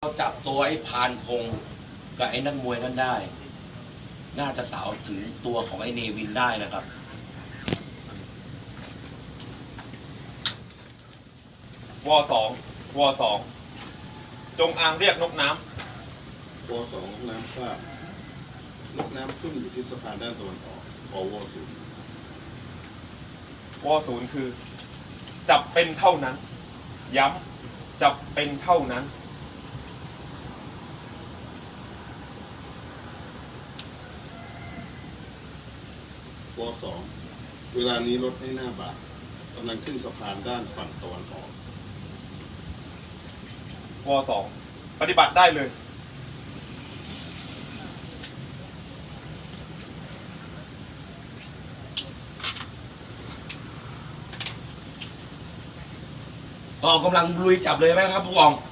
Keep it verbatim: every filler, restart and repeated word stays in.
เราจับตัวไอ้พานคงกับไอ้นักมวยนั่นได้ น่าจะสาวถึงตัวของไอ้เนวินได้นะครับวอสองวอสองจงอางเรียกนกน้ำวอสองน้ำทราบนกน้ำขึ้นอยู่ที่สะพานด้านตะวันออกอวศูนย์ำวอศูนย์คือ จับเป็นเท่านั้น ย้ำจับเป็นเท่านั้นวอสองเวลานี้รถให้หน้าบาทกำลังขึ้นสะพานด้านฝั่งตะวันออกวอสองปฏิบัติได้เลยออกกำลังลุยจับเลยไหมครับผู้กอง